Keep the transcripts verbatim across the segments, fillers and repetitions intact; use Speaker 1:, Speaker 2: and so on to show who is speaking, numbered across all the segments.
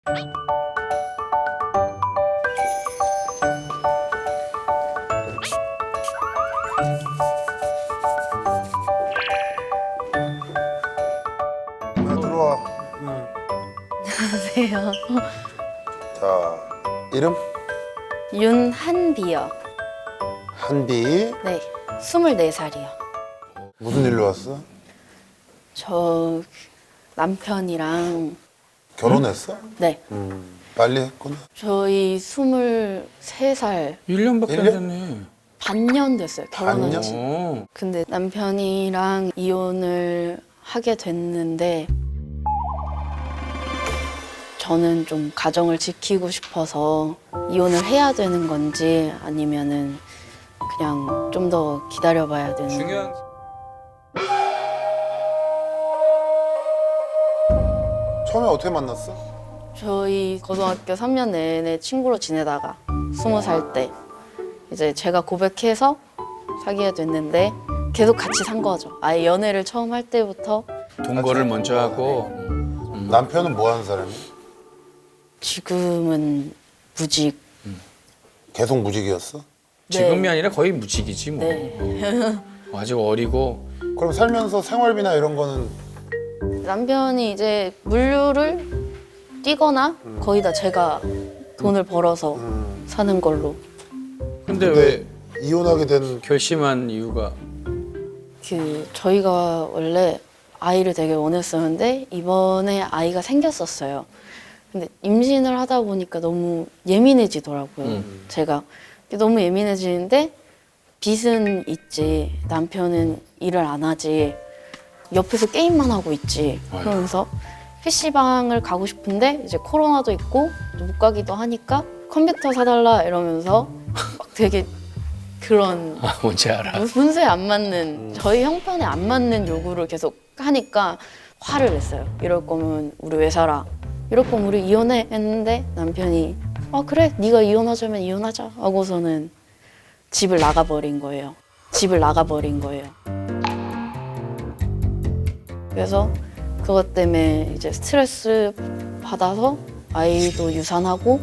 Speaker 1: 아, 들어와.
Speaker 2: 안녕하세요.
Speaker 1: 자, 이름?
Speaker 2: 윤한비요.
Speaker 1: 한비.
Speaker 2: 네, 스물네 살이요.
Speaker 1: 무슨 일로 왔어?
Speaker 2: 저 남편이랑
Speaker 1: 결혼했어?
Speaker 2: 네,
Speaker 1: 음, 빨리 했구나.
Speaker 2: 저희 스물세 살
Speaker 3: 일 년밖에
Speaker 1: 일
Speaker 3: 안
Speaker 1: 년?
Speaker 3: 됐네.
Speaker 2: 반년 됐어요. 결혼한
Speaker 1: 반년?
Speaker 2: 지.
Speaker 3: 어.
Speaker 2: 근데 남편이랑 이혼을 하게 됐는데 저는 좀 가정을 지키고 싶어서 이혼을 해야 되는 건지 아니면은 그냥 좀 더 기다려봐야 되는
Speaker 3: 중요한
Speaker 1: 처음에 어떻게 만났어?
Speaker 2: 저희 고등학교 삼 년 내내 친구로 지내다가 스무 살 때 이제 제가 고백해서 사귀게 됐는데 계속 같이 산 거죠. 아예 연애를 처음 할 때부터
Speaker 3: 동거를 먼저 하고
Speaker 1: 남편은 뭐 하는 사람이야?
Speaker 2: 지금은 무직.
Speaker 1: 계속 무직이었어?
Speaker 3: 지금이 아니라 거의 무직이지 뭐.
Speaker 2: 네.
Speaker 3: 어. 아직 어리고
Speaker 1: 그럼 살면서 생활비나 이런 거는
Speaker 2: 남편이 이제 물류를 뛰거나 거의 다 제가 돈을 벌어서
Speaker 1: 음,
Speaker 2: 사는 걸로.
Speaker 3: 근데
Speaker 1: 근데
Speaker 3: 왜
Speaker 1: 이혼하게 된
Speaker 3: 결심한 이유가
Speaker 2: 그 저희가 원래 아이를 되게 원했었는데 이번에 아이가 생겼었어요. 근데 임신을 하다 보니까 너무 예민해지더라고요.
Speaker 3: 음.
Speaker 2: 제가 너무 예민해지는데 빚은 있지 남편은 일을 안 하지 옆에서 게임만 하고 있지 그러면서 피시방을 가고 싶은데 이제 코로나도 있고 못 가기도 하니까 컴퓨터 사달라 이러면서 막 되게 그런
Speaker 3: 아, 뭔지 알아.
Speaker 2: 분수에 안 맞는 저희 형편에 안 맞는 요구를 계속 하니까 화를 냈어요. 이럴 거면 우리 왜 살아? 이럴 거면 우리 이혼해 했는데 남편이 아 그래 네가 이혼하자면 이혼하자 하고서는 집을 나가버린 거예요. 집을 나가버린 거예요. 그래서 그것 때문에 이제 스트레스 받아서 아이도 유산하고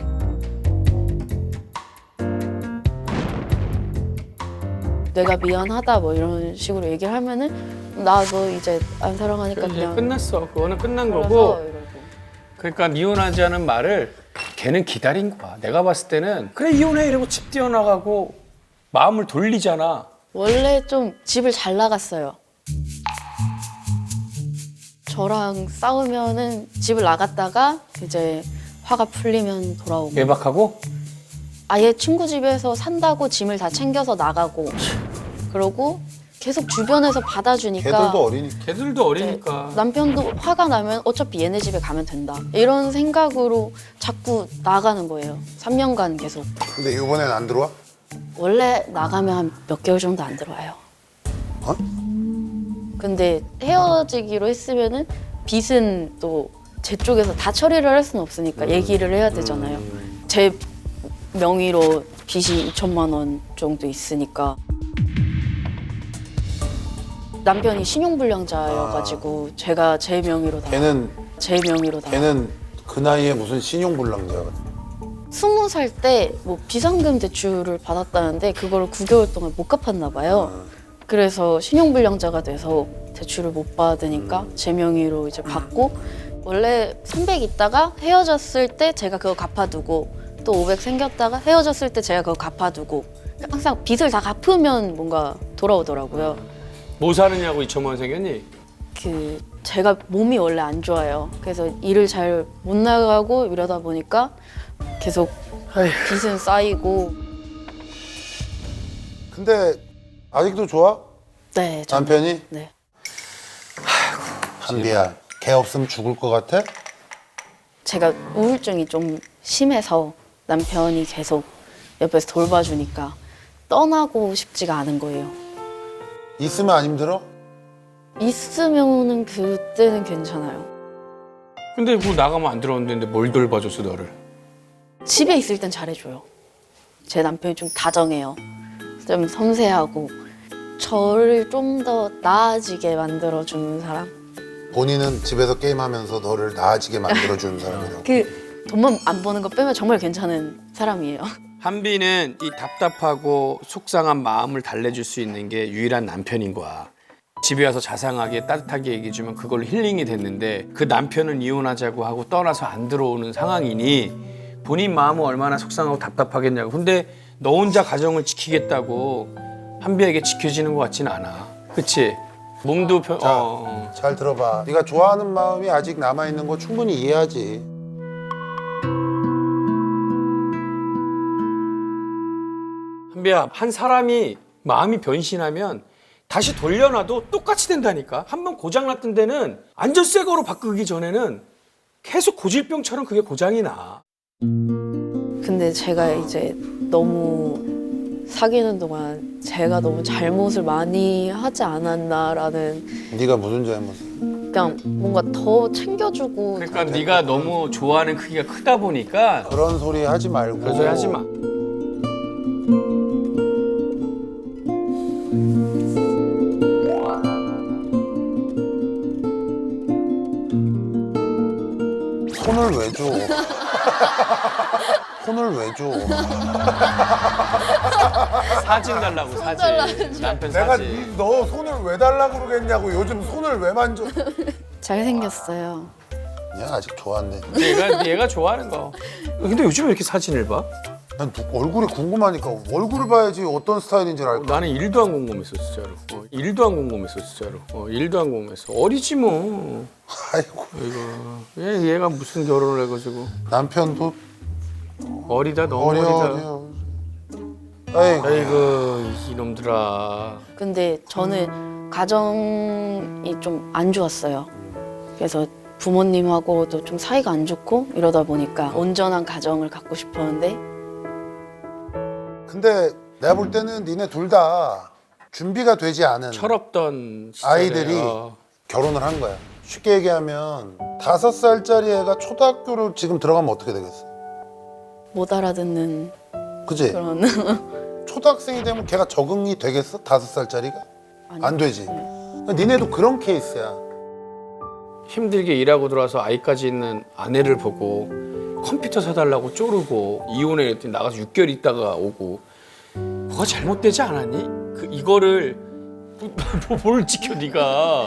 Speaker 2: 내가 미안하다 뭐 이런 식으로 얘기를 하면은 나 너 이제 안 사랑하니까
Speaker 3: 이제
Speaker 2: 그냥
Speaker 3: 끝났어. 그거는 끝난
Speaker 2: 그래서
Speaker 3: 거고.
Speaker 2: 이러고.
Speaker 3: 그러니까 이혼하자는 말을 걔는 기다린 거야. 내가 봤을 때는 그래 이혼해 이러고 집 뛰어나가고 마음을 돌리잖아.
Speaker 2: 원래 좀 집을 잘 나갔어요. 저랑 싸우면은 집을 나갔다가 이제 화가 풀리면 돌아오고
Speaker 3: 외박하고
Speaker 2: 아예 친구 집에서 산다고 짐을 다 챙겨서 나가고 그러고 계속 주변에서 받아주니까
Speaker 1: 걔들도 어리니까.
Speaker 3: 걔들도
Speaker 2: 이제
Speaker 3: 어리니까.
Speaker 2: 남편도 화가 나면 어차피 얘네 집에 가면 된다 이런 생각으로 자꾸 나가는 거예요. 삼 년간 계속.
Speaker 1: 근데 이번엔 안 들어와?
Speaker 2: 원래 나가면 한 몇 개월 정도 안 들어와요.
Speaker 1: 어?
Speaker 2: 근데 헤어지기로 했으면은 빚은 또 제 쪽에서 다 처리를 할 수는 없으니까 얘기를 해야 되잖아요. 제 명의로 빚이 이천만 원 정도 있으니까. 남편이 신용불량자여가지고 제가 제 명의로 다
Speaker 1: 걔는
Speaker 2: 제 명의로 다
Speaker 1: 걔는 그 나이에 무슨 신용불량자가.
Speaker 2: 스무 살 때 뭐 비상금 대출을 받았다는데 그걸 구 개월 동안 못 갚았나 봐요. 그래서 신용불량자가 돼서 대출을 못 받으니까 제 명의로 이제 받고 원래 삼백 있다가 헤어졌을 때 제가 그거 갚아두고 또 오백 생겼다가 헤어졌을 때 제가 그거 갚아두고 항상 빚을 다 갚으면 뭔가 돌아오더라고요.
Speaker 3: 뭐 사느냐고 이천만 원 생겼니?
Speaker 2: 그 제가 몸이 원래 안 좋아요. 그래서 일을 잘 못 나가고 이러다 보니까 계속 빚은 쌓이고.
Speaker 1: 근데 아직도 좋아?
Speaker 2: 네, 저는-
Speaker 1: 남편이?
Speaker 2: 네.
Speaker 1: 한비야, 걔 없으면 죽을 것 같아?
Speaker 2: 제가 우울증이 좀 심해서 남편이 계속 옆에서 돌봐주니까 떠나고 싶지가 않은 거예요.
Speaker 1: 있으면 안 힘들어?
Speaker 2: 있으면은 그때는 괜찮아요.
Speaker 3: 근데 뭐 나가면 안 들어오는데 뭘 돌봐줬어 너를?
Speaker 2: 집에 있을 땐 잘해줘요. 제 남편이 좀 다정해요. 좀 섬세하고 저를 좀 더 나아지게 만들어주는 사람?
Speaker 1: 본인은 집에서 게임하면서 너를 나아지게 만들어주는 사람이라고.
Speaker 2: 그 돈만 안 버는 거 빼면 정말 괜찮은 사람이에요.
Speaker 3: 한비는 이 답답하고 속상한 마음을 달래줄 수 있는 게 유일한 남편인 거야. 집에 와서 자상하게 따뜻하게 얘기해주면 그걸로 힐링이 됐는데 그 남편은 이혼하자고 하고 떠나서 안 들어오는 상황이니 본인 마음은 얼마나 속상하고 답답하겠냐고. 근데 너 혼자 가정을 지키겠다고 한비에게 지켜지는 것 같지는 않아. 그치? 몸도 편...
Speaker 1: 자,
Speaker 3: 어, 어.
Speaker 1: 잘 들어봐. 네가 좋아하는 마음이 아직 남아있는 거 충분히 이해하지.
Speaker 3: 한비야, 한 사람이 마음이 변신하면 다시 돌려놔도 똑같이 된다니까. 한 번 고장났던 데는 완전 새 거로 바꾸기 전에는 계속 고질병처럼 그게 고장이 나.
Speaker 2: 근데 제가 이제 너무 사귀는 동안 제가 너무 잘못을 많이 하지 않았나라는
Speaker 1: 네가 무슨 잘못을?
Speaker 2: 그냥 뭔가 더 챙겨주고
Speaker 3: 그러니까 네가 너무 좋아하는 크기가 크다 보니까
Speaker 1: 그런 소리 하지 말고.
Speaker 3: 그런 소리 하지 마.
Speaker 1: 손을 왜 줘? 손을 왜 줘?
Speaker 3: 사진 달라고 사진. 남편
Speaker 1: 내가
Speaker 3: 사진.
Speaker 1: 네- 너 손을 왜 달라고 그러겠냐고. 요즘 손을 왜 만져?
Speaker 2: 잘생겼어요.
Speaker 1: 야, 아직 좋아한대.
Speaker 3: 얘가 얘가 좋아하는 거. 근데 요즘 왜 이렇게 사진을 봐?
Speaker 1: 난 누- 얼굴이 궁금하니까 얼굴을 봐야지 어떤 스타일인지 알 거.
Speaker 3: 나는 일도 안 궁금했어 진짜로. 어, 일도 안 궁금했어 진짜로. 어, 일도 안 궁금했어. 어리지 뭐.
Speaker 1: 아이고.
Speaker 3: 이거 얘 얘가 무슨 결혼을 해가지고
Speaker 1: 남편도
Speaker 3: 어리다 너무
Speaker 1: 어려
Speaker 3: 어리다.
Speaker 1: 어려. 아이고.
Speaker 3: 아이고 이놈들아.
Speaker 2: 근데 저는 가정이 좀 안 좋았어요. 그래서 부모님하고도 좀 사이가 안 좋고 이러다 보니까 온전한 가정을 갖고 싶었는데
Speaker 1: 근데 내가 볼 때는 니네 둘 다 준비가 되지 않은
Speaker 3: 철없던
Speaker 1: 아이들이
Speaker 3: 시절에,
Speaker 1: 결혼을 한 거야. 쉽게 얘기하면 다섯 살짜리 애가 초등학교를 지금 들어가면 어떻게 되겠어?
Speaker 2: 못 알아듣는
Speaker 1: 그지?
Speaker 2: 그런
Speaker 1: 초등학생이 되면 걔가 적응이 되겠어? 다섯 살짜리가?
Speaker 2: 아니,
Speaker 1: 안 되지. 니네도 그런 케이스야.
Speaker 3: 힘들게 일하고 들어와서 아이까지 있는 아내를 보고 컴퓨터 사달라고 쪼르고 이혼해 했더니 나가서 육 개월 있다가 오고 뭐가 잘못되지 않았니? 그 이거를 뭐, 뭘 지켜 네가.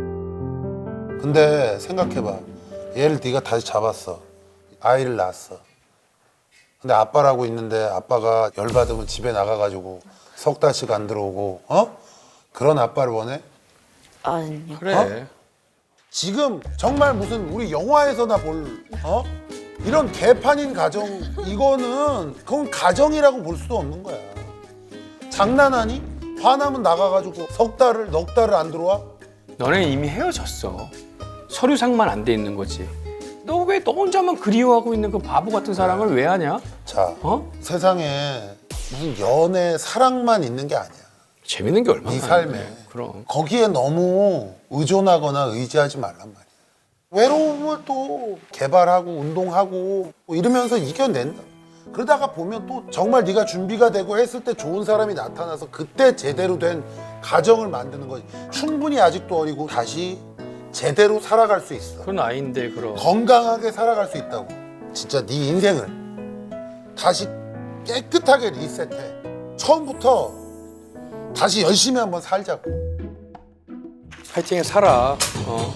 Speaker 1: 근데 생각해봐. 얘를 네가 다시 잡았어. 아이를 낳았어. 근데 아빠라고 있는데 아빠가 열받으면 집에 나가가지고 석 달씩 안 들어오고 어? 그런 아빠를 원해?
Speaker 2: 아니요.
Speaker 3: 그래.
Speaker 1: 어? 지금 정말 무슨 우리 영화에서나 볼 어? 이런 개판인 가정 이거는 그건 가정이라고 볼 수도 없는 거야. 장난하니? 화나면 나가가지고 석 달을 넉 달을 안 들어와?
Speaker 3: 너네 이미 헤어졌어. 서류상만 안 돼 있는 거지. 너 왜 너 혼자만 그리워하고 있는 그 바보 같은 사랑을 왜 하냐?
Speaker 1: 자,
Speaker 3: 어?
Speaker 1: 세상에 무슨 연애 사랑만 있는 게 아니야.
Speaker 3: 재밌는 게 얼마나
Speaker 1: 네 삶에.
Speaker 3: 많은데. 그럼.
Speaker 1: 거기에 너무 의존하거나 의지하지 말란 말이야. 외로움을 또 개발하고 운동하고 뭐 이러면서 이겨낸다. 그러다가 보면 또 정말 네가 준비가 되고 했을 때 좋은 사람이 나타나서 그때 제대로 된 가정을 만드는 거지. 충분히 아직도 어리고 다시 제대로 살아갈 수 있어.
Speaker 3: 그건 아닌데 그럼.
Speaker 1: 건강하게 살아갈 수 있다고. 진짜 네 인생을 다시 깨끗하게 리셋해. 처음부터 다시 열심히 한번 살자고.
Speaker 3: 파이팅해 살아. 어.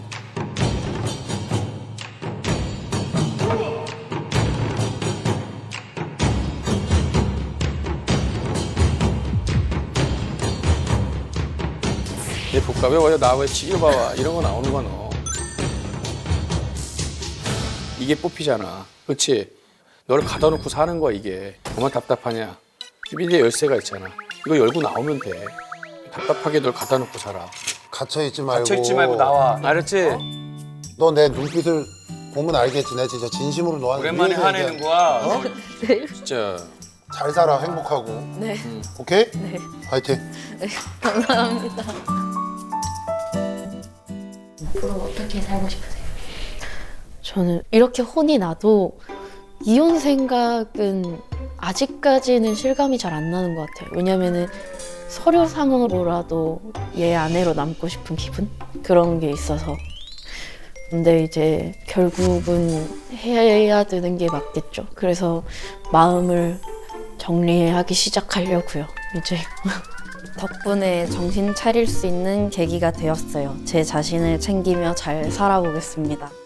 Speaker 3: 얘 볼까? 왜 와요? 나왜 지겨 봐봐. 이런 거 나오는 거야 너. 이게 뽑히잖아. 그렇지? 너를 가다 놓고 사는 거야 이게. 얼마나 답답하냐. 비밀의 열쇠가 있잖아. 이거 열고 나오면 돼. 답답하게 널 가다 놓고 살아.
Speaker 1: 갇혀있지 말고.
Speaker 3: 갇혀있지 말고 나와. 알았지?
Speaker 1: 너 내 눈빛을 보면 알겠지. 내가 진짜 진심으로 너한테
Speaker 3: 오랜만에
Speaker 1: 위해서
Speaker 3: 화내는
Speaker 1: 얘기하는
Speaker 3: 거야.
Speaker 1: 어?
Speaker 3: 진짜.
Speaker 1: 잘 살아. 행복하고.
Speaker 2: 네.
Speaker 1: 오케이?
Speaker 2: 네.
Speaker 1: 화이팅.
Speaker 2: 감사합니다.
Speaker 4: 앞으로 어떻게 살고 싶으세요?
Speaker 2: 저는 이렇게 혼이 나도 이혼 생각은 아직까지는 실감이 잘 안 나는 것 같아요. 왜냐면은 서류상으로라도 얘 아내로 남고 싶은 기분? 그런 게 있어서 근데 이제 결국은 해야 되는 게 맞겠죠. 그래서 마음을 정리하기 시작하려고요. 이제 덕분에 정신 차릴 수 있는 계기가 되었어요. 제 자신을 챙기며 잘 살아보겠습니다.